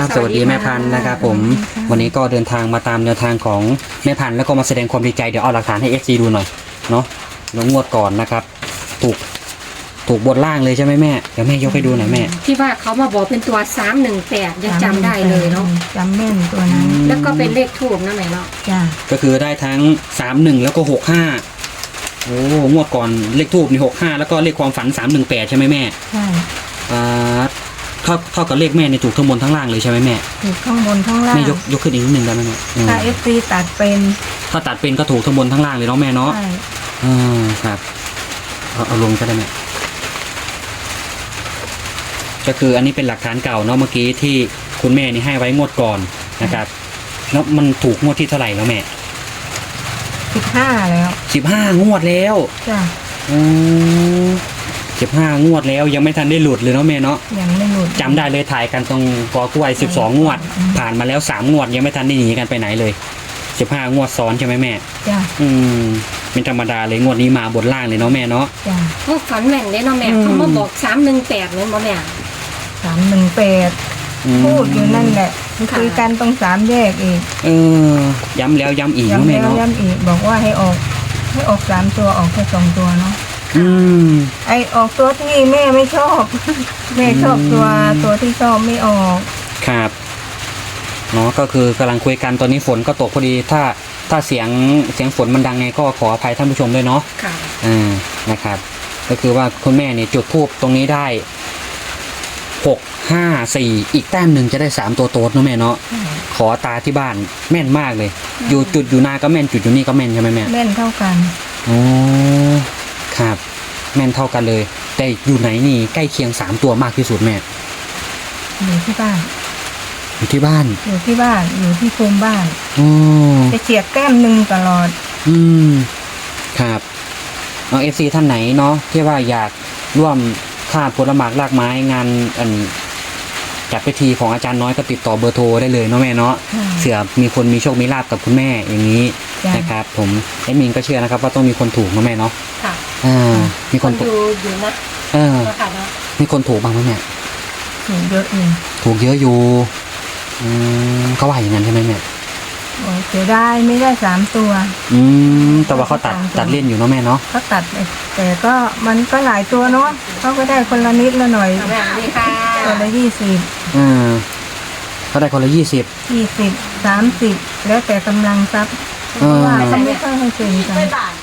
สวัสดีแม่พันธุ์นะครับผมวันนี้ก็เดินทางมาตามแนวทางของแม่พันธุ์แล้วก็มาแสดงความดีใจเดี๋ยวเอาหลักฐานให้ FC ดูหน่อยเนาะแล้วงวดก่อนนะครับถูกบนล่างเลยใช่ไหมแม่เดี๋ยวแม่ยกให้ดูหน่อยแม่ที่ว่าเขามาบอกเป็นตัว318ยังจำได้เลยเนาะจำแม่นตัวนั้นแล้วก็เป็นเลขทูบนะแม่เนาะจ้าก็คือได้ทั้ง31แล้วก็65โอ้งวดก่อนเลขทูบนี่65แล้วก็เลขความฝัน318ใช่ไหมแม่ใช่เท่ากับเลขแม่ในถูกทั้งบนทั้งล่างเลยใช่ไหมแม่ถูกทั้งบนทั้งล่างแม่ยกขึ้นอีกนิดนึงได้ไหมแม่ถ้า FC ตัดเป็นถ้าตัดเป็นก็ถูกทั้งบนทั้งล่างเลยเนาะแม่เนาะใช่ครับเอาลงก็ได้แม่ก็คืออันนี้เป็นหลักฐานเก่าเนาะเมื่อกี้ที่คุณแม่นี่ให้ไว้งวดก่อนนะครับแล้วมันถูกงวดที่เท่าไหร่แล้วแม่ 15แล้ว 15งวดแล้วจ้ะ 15งวดแล้วยังไม่ทันได้หลุดเลยเนาะแม่เนาะยังไม่หลุดจำได้เลยถ่ายกันตรงกอกล้วย12งวดผ่านมาแล้ว3งวดยังไม่ทันได้หนีกันไปไหนเลย15งวดซ้อนใช่ไหมแม่จ้ะเป็นธรรมดาเลยงวดนี้มาบนล่างเลยเนาะแม่เนาะจ้ะพวกฝันแม่นได้เนาะแม่เขามาบอก318เลยบ่แม่ 318พูดอยู่นั่นแหละคุยกันตรง3แยกอีกย้ำแล้วย้ำอีกเนาะแม่เนาะย้ำอีกบอกว่าให้ออก3ตัวออกแค่2ตัวเนาะไอออกตัวที่แม่ไม่ชอบแม่ชอบตัวที่ชอบไม่ออกครับเนาะก็คือกำลังคุยกันตอนนี้ฝนก็ตกพอดีถ้าเสียงฝนมันดังไงก็ขออภัยท่านผู้ชมด้วยเนาะค่ะนะครับก็คือว่าคุณแม่เนี่ยจุดธูปตรงนี้ได้654อีกแต้มหนึ่งจะได้3ตัวโต๊ดเนาะแม่เนาะขอตาที่บ้านแม่นมากเลยอยู่จุดอยู่นาก็แม่นจุดอยู่นี่ก็แม่นใช่ไหมแม่แม่นเท่ากันโอ้ครับแม่นเท่ากันเลยแต่อยู่ไหนนี่ใกล้เคียง3ตัวมากที่สุดแม่อยู่ที่บ้านอยู่ที่บ้านอยู่ที่ภูมิบ้านจะเฉียดแต้มหนึ่งตลอดครับน้องFCท่านไหนเนาะที่ว่าอยากร่วมค่าผลหมากรากไม้งานจัดพิธีของอาจารย์น้อยก็ติดต่อเบอร์โทรได้เลยเนาะแม่เนาะเผื่อมีคนมีโชคมีลาภกับคุณแม่อย่างนี้นะครับผมแอดมินก็เชื่อนะครับว่าต้องมีคนถูกเนาะแม่เนาะค่ะมีคนถูกอยู่นะมีคนถูกบ้างไหมแม่ถูกเยอะอยู่ถูกเยอะอยู่เขาว่าอย่างนั้นใช่ไหมแม่เสียดายไม่ได้3ตัวแต่ว่าเขาตัดเล่นอยู่เนาะแม่เนาะเขาตัดแต่ก็มันก็หลายตัวเนาะเขาก็ได้คนละนิดละหน่อยคนละ20 เขาได้คนละ 20 30แล้วแต่กำลังทรัพย์ว่าเขาไม่ค่อยให้เซ็นกัน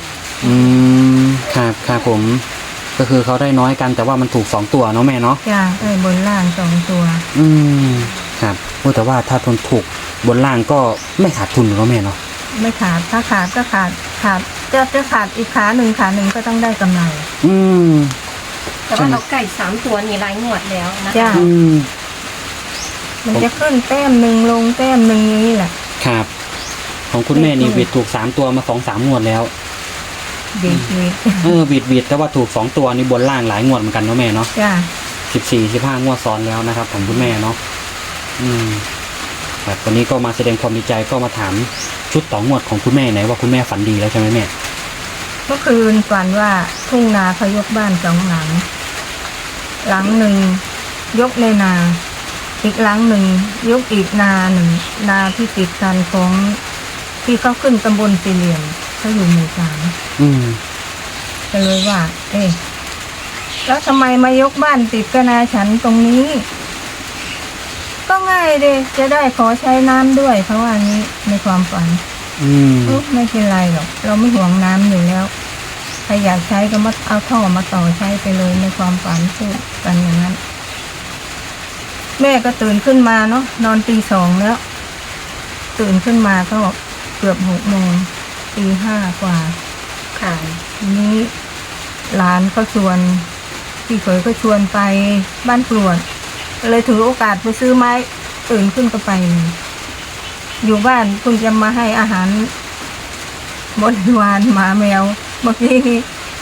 ครับผมก็คือเขาได้น้อยกันแต่ว่ามันถูก2ตัวเนาะแม่เนาะจ้าได้บนล่าง2ตัวครับแต่ว่าถ้าทนถูกบนล่างก็ไม่ขาดทุนเนาะแม่เนาะไม่ขาดถ้าขาดก็ขาดจะขาดอีกขาหนึ่งก็ต้องได้กำไรแต่ว่าเราไก่3ตัวนี่รายงวดแล้วนะจ้ามันจะขึ้นแต้มหนึ่งลงแต้มหนึ่งนี่แหละครับของคุณแม่นี่บิดถูก3ตัวมา2-3งวดแล้วบิดแต่ว่าถูก2ตัวนี่บนล่างหลายงวดเหมือนกันเนาะแม่เนาะจ้า 14-15งวดซ้อนแล้วนะครับของคุณแม่เนาะครับวันนี้ก็มาแสดงความดีใจก็มาถามชุดต่องวดของคุณแม่ไหนว่าคุณแม่ฝันดีแล้วใช่ไหมแม่เมื่อคืนฝันว่าทุ่งนาเขายกบ้าน2 หลังหลังหนึ่งยกในนาอีกหลังหนึ่งยกอีกนาหนึ่งนาที่ติดกันของที่เขาขึ้นตำบลสี่เหลี่ยมเขาอยู่หมู่3ก็เลยว่าแล้วทำไมมายกบ้านติดกับนาฉันตรงนี้ก็ง่ายเลยจะได้ขอใช้น้ำด้วยเพราะว่านี้ในความฝันไม่เป็นไรหรอกเราไม่ห่วงน้ำอยู่แล้วใครอยากใช้ก็มาเอาท่อมาต่อใช้ไปเลยในความฝันพูดกันอย่างนั้นแม่ก็ตื่นขึ้นมาเนาะนอนตี 2แล้วตื่นขึ้นมาก็เกือบ6 โมงตี 5กว่าค่ะนี้หลานก็ชวนพี่เขยก็ชวนไปบ้านกรวดเลยถือโอกาสไปซื้อไม้ตื่นขึ้นก็ไปอยู่บ้านคุณจะมาให้อาหารบริวารหมาแมวเมื่อกี้นี้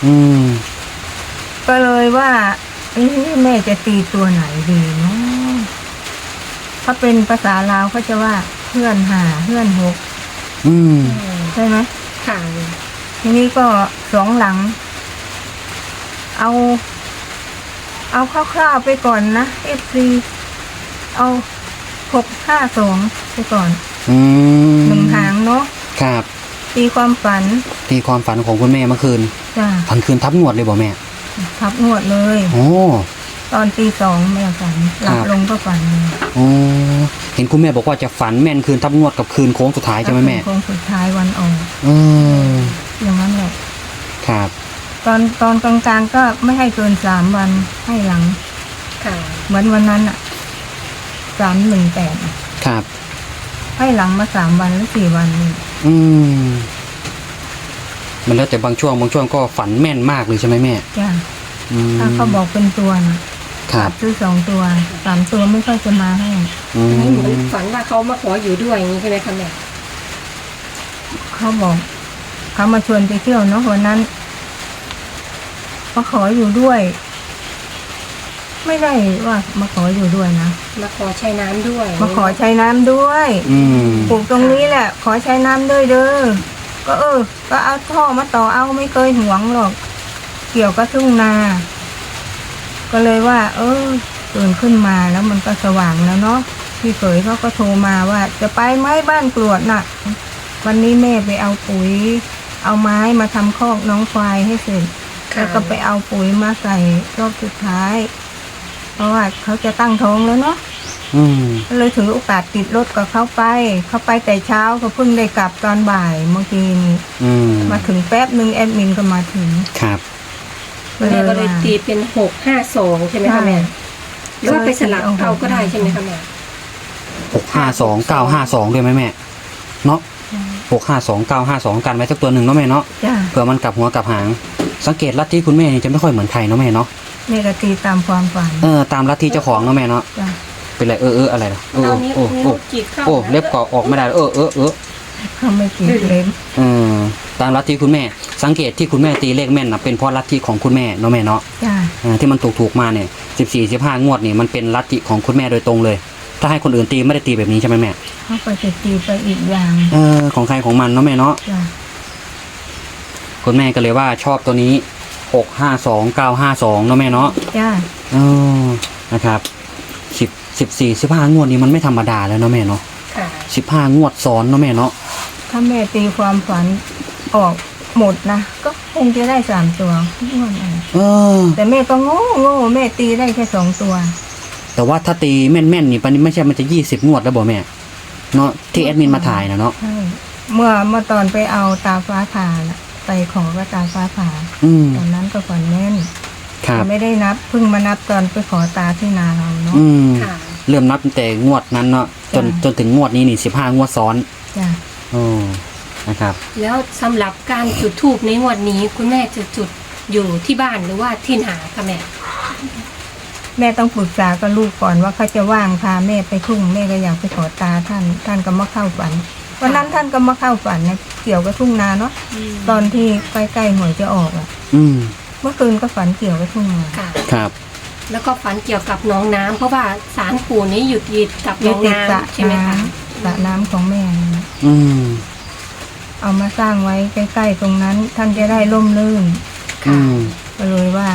ก็เลยว่าแม่จะตีตัวไหนดีเนาะถ้าเป็นภาษาลาวเขาจะว่าเพื่อน5เพื่อน6ใช่ไหมค่ะทีนี้ก็2 หลังเอาคร่าวๆไปก่อนนะ FC เอา 652ไปก่อนอืมหนึ่งหางเนาะครับตีความฝันที่ความฝันของคุณแม่เมื่อคืนจ้ะฝันคืนทับงวดเลยบอกแม่ทับงวดเลยโอ้ตอนตี 2แม่ฝันหลับครับลงก็ฝันเลยโอ้เห็นคุณแม่บอกว่าจะฝันแม่นคืนทับงวดกับคืนโค้งสุดท้ายใช่ไหมแม่โค้งสุดท้ายวันออกอืมอย่างนั้นแหละครับตอนกลางๆก็ไม่ให้เกิน3 วันให้หลังค่ะเหมือนวันนั้นอะ318 ครับให้หลังมา3 วันหรือ4 วันนี่อืมมันแล้วแต่บางช่วงก็ฝันแม่นมากเลยใช่ไหมแม่จ้ะอืมถ้าเขาบอกเป็นตัวนะครับ ซื้อ2 ตัว3 ตัวไม่ค่อยจะมาให้อือันนี้เหมือนมฝันว่าเขามาขออยู่ด้วยอย่างนี้ใช่ไหมคะแม่เขาบอกเขามาชวนไปเที่ยวเนาะวันนั้นมาขออยู่ด้วย ไม่ได้ว่ามาขออยู่ด้วยนะมาขอใช้น้ำด้วยมาขอใช้น้ำด้วยอืมปลูกตรงนี้แหละ ขอใช้น้ำด้วยเด้อก็ก็เอาท่อมาต่อเอาไม่เคยหวงหรอก เกี่ยวกับทุ่งนา ก็เลยว่า ตื่นขึ้นมาแล้วมันก็สว่างแล้วเนาะพี่เขยเขาก็โทรมาว่า จะไปไหมบ้านกรวดน่ะ วันนี้แม่ไปเอาปุ๋ย เอาไม้มาทำคอกน้องควายให้เสร็จค่ะแล้วก็ไปเอาปุ๋ยมาใส่รอบสุดท้าย เพราะว่าเขาจะตั้งท้องแล้วเนาะอืมก็เลยถือโอกาสติดรถกับเขาไปแต่เช้าเขาเพิ่งได้กลับตอนบ่ายเมื่อกี้นี้อืมมาถึงแป๊บหนึ่งแอดมินก็มาถึงครับแม่ก็เลยตีเป็น652ใช่ไหมคะแม่หรือว่าไปสลับเอาก็ได้ใช่ไหมคะแม่ 652 952ด้วยไหมแม่เนาะ652 952กันไว้สักตัวหนึ่งเนาะแม่เนาะจ้าเผื่อมันกลับหัวกลับหาง สังเกตลัทธิคุณแม่นี่จะไม่ค่อยเหมือนใครเนาะแม่เนาะแม่ก็ตีตามความฝันตามลัทธิเจ้าของเนาะแม่เนาะจ้าเป็นไรอะไรนะเอานิ้วจีบเข้าเล็บก็ออกไม่ได้เขาไม่ตีเล็บตามลัทธิคุณแม่ สังเกตที่คุณแม่ตีเลขแม่นนะเป็นเพราะลัทธิของคุณแม่เนาะแม่เนาะจ้าที่มันถูกมาเนี่ย14 15 งวดนี่มันเป็นลัทธิของคุณแม่โดยตรงเลย ถ้าให้คนอื่นตีไม่ได้ตีแบบนี้ใช่ไหมแม่เขาไปจะตีไปอีกอย่างของใครของมันเนาะแม่เนาะจ้าคุณแม่ก็เลยว่าชอบตัวนี้652 952เนาะแม่เนาะจ้านะครับ14 15 งวดนี้มันไม่ธรรมดาแล้วเนาะแม่เนาะค่ะ 15 งวดซ้อนเนาะแม่เนาะถ้าแม่ตีความฝันออกหมดนะก็คงจะได้3 ตัวงวดนั้นแต่แม่ก็โง่แม่ตีได้แค่2 ตัวแต่ว่าถ้าตีแม่นๆนี่ปันนี้ไม่ใช่มันจะ20 งวดแล้วบ่แม่เนาะที่แอดมินมาถ่ายนะเนาะใช่เมื่อตอนไปเอาตาฟ้าผ่าน่ะไปขอก็ตาฟ้าผ่า ตอนนั้นก็ฝันแม่นครับไม่ได้นับเพิ่งมานับตอนไปขอตาที่นาเราเนาะค่ะเริ่มนับตั้งแต่งวดนั้นเนาะจนถึงงวดนี้นี่15 งวดซ้อนจ้ะนะครับแล้วสำหรับการจุดธูปในงวดนี้คุณแม่จะจุดอยู่ที่บ้านหรือว่าที่นาคะแม่แม่ต้องปรึกษากับลูกก่อนว่าเขาจะว่างพาแม่ไปทุ่งแม่ก็อยากไปขอตาท่านก็มาเข้าฝันวันนั้นท่านก็มาเข้าฝันนะเกี่ยวกับทุ่งนาเนาะตอนที่ใกล้ๆหวยจะออกอ่ะ เมื่อคืนก็ฝันเกี่ยวกับทุ่งนาค่ะครับแล้วก็ฝันเกี่ยวกับน้องน้ำเพราะว่าศาลปู่นี้อยู่ติดกับยึน้ดองติดสระน้ำใช่ไหมน้คะำสระน้ำของแม่นั่นน่ะอืมเอามาสร้างไว้ใกล้ๆตรงนั้น ท่านจะได้ร่มรื่นอืมก็เลยว่า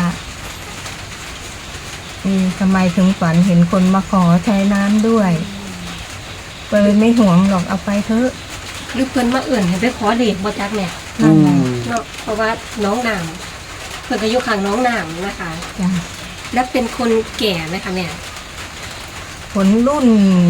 ทำไมถึงฝันเห็นคนมาขอใช้น้ำด้วยก็เลยไม่ห่วงหรอกเอาไปเถอะหรือเพิ่นมาเอื่นให้ไปขอเด็กบ่จักแม่นั่นแหละเนาะเพราะว่าน้องน้ำเพิ่นก็อยู่ข้างน้องน้ำนะคะจ้ะและเป็นคนแก่ไหมคะแม่ผลรุ่น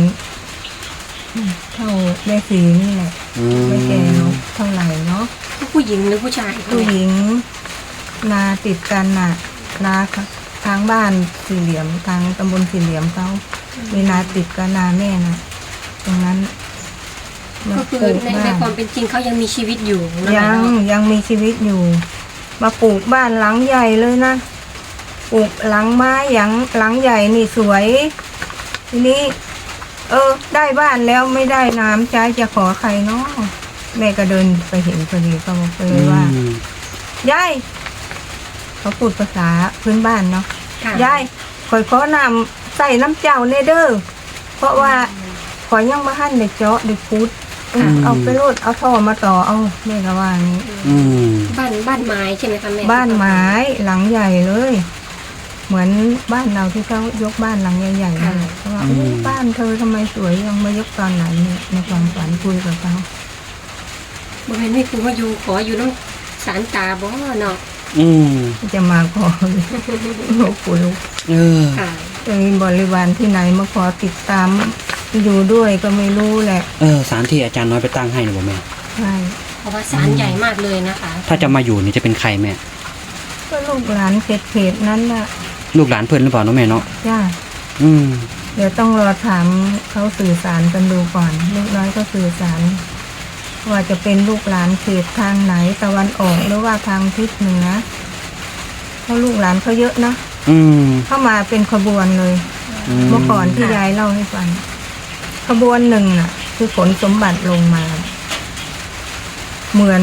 เท่าแม่สีนี่แหละไม่แก่เนาะเท่าไหร่เนาะผู้หญิงหรือผู้ชายคะผู้แม่หญิงนาติดกันน่ะ นาทางบ้านสี่เหลี่ยมทางตำบลสี่เหลี่ยมเขามีนาติดกับนาแม่นะตรงนั้นก็คือในความเป็นจริงเขายังมีชีวิตอยู่เนาะยังมีชีวิตอยู่ มาปลูกบ้านหลังใหญ่เลยนะปลูกหลังไม้หลังใหญ่นี่สวย ทีนี้ได้บ้านแล้วไม่ได้น้ำใจจะขอใครเนาะแม่ก็เดินไปเห็นพอดีก็บอกไปเลยว่ายายเขาพูดภาษาพื้นบ้านเนาะค่ะยายขอยขอน้ำใส่น้ำเจ้าเนเด้อเพราะว่าขอยยังมาหั่นเด็กเจาะเด็กพุดเอาไปโลดเอาท่อมาต่อเอาแม่ก็ว่างี้บ้านไม้ใช่ไหมคะแม่บ้านไม้หลังใหญ่เลยเหมือนบ้านเราที่เขายกบ้านหลังใหญ่ๆนั่นแหละเขาว่าอุ๊ยบ้านเธอทำไมสวยยังมายกตอนไหนเนี่ยในความฝันคุยกับเขาบ่แม่นไม่คือว่าอยู่ขออยู่น้ำสารตาบ่เนาะจะมาขอหลวงปู่ลูกค่ะจะมีบริวารที่ไหนมาขอติดตามอยู่ด้วยก็ไม่รู้แหละสารที่อาจารย์น้อยไปตั้งให้นะบ่แม่ใช่เพราะว่าสารใหญ่มากเลยนะคะถ้าจะมาอยู่นี่จะเป็นใครแม่ก็ลูกหลานเขตนั้นน่ะลูกหลานเพื่อนหรือเปล่าน้องแม่เนาะจ้าอืมเดี๋ยวต้องรอถามเขาสื่อสารกันดูก่อน ลูกน้อยก็สื่อสาร ว่าจะเป็นลูกหลานเขตทางไหนตะวันออกหรือว่าทางทิศเหนือเพราะลูกหลานเขาเยอะนะ เข้ามาเป็นขบวนเลย เมื่อก่อนที่ยายเล่าให้ฟังขบวนหนึ่งน่ะ คือขนสมบัติลงมา เหมือน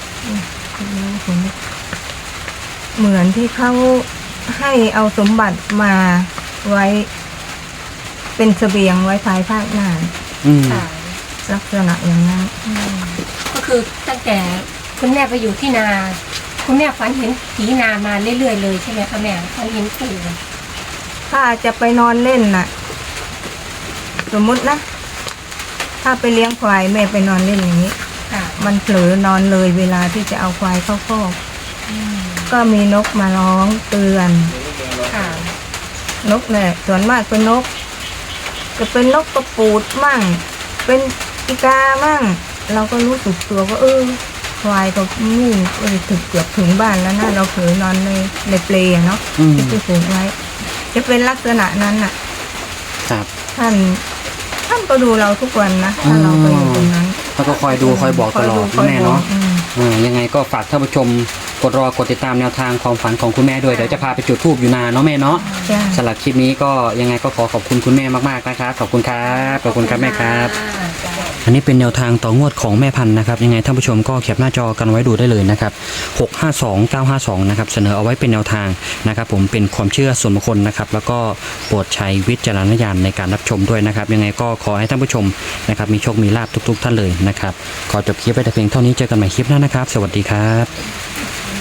ที่เขาให้เอาสมบัติมาไว้เป็นเสบียงไว้ภายภาคหน้าค่ะลักษณะอย่างนั้นก็คือตั้งแต่คุณแม่ไปอยู่ที่นา คุณแม่ฝันเห็นผีนามาเรื่อยๆเลยใช่ไหมคะแม่ฝันเห็นปู่ถ้าจะไปนอนเล่นน่ะ สมมุตินะ ถ้าไปเลี้ยงควายแม่ไปนอนเล่นอย่างนี้ค่ะมันเผลอนอนเลยเวลาที่จะเอาควายเข้าคอกก็มีนกมาร้องเตือนค่ะนกเนี่ยส่วนมากเป็นนก จะเป็นนกกระปูดมั่ง เป็นอีกามั่ง เราก็รู้สึกตัวก็ควายก็นู่นถึงเกือบถึงบ้านแล้วนะเราเผลอนอนในเปลอะเนาะที่ผูกไว้ จะเป็นลักษณะนั้นน่ะครับท่านก็ดูเราทุกวันนะถ้าเราไปอยู่ตรงนั้นแล้วก็คอยดูคอยบอกตลอดคอยแม่บอเนาะกยังไงก็ฝากท่านผู้ชมกดติดตามแนวทางความฝันของคุณแม่ด้วยเดี๋ยวจะพาไปจุดธูปอยู่นานเนาะแม่เนาะจ้ะสำหรับคลิปนี้ก็ยังไงก็ขอขอบคุณคุณแม่มากๆนะครับขอบคุณครับขอบคุณครับแม่ครับ อันนี้เป็นแนวทางต่องวดของแม่พันธุ์นะครับยังไงท่านผู้ชมก็แคปหน้าจอกันไว้ดูได้เลยนะครับ652952นะครับเสนอเอาไว้เป็นแนวทางนะครับผมเป็นความเชื่อส่วนบุคคลนะครับแล้วก็โปรดใช้วิจารณญาณในการรับชมด้วยนะครับยังไงก็ขอให้ท่านผู้ชมนะครับมีโชคมีลาภทุกๆท่านเลยนะครับขอจบคลิปไว้แต่เพียงเท่านี้เจอกันใหม่คลิปหน้านะครับสวัสดีครับ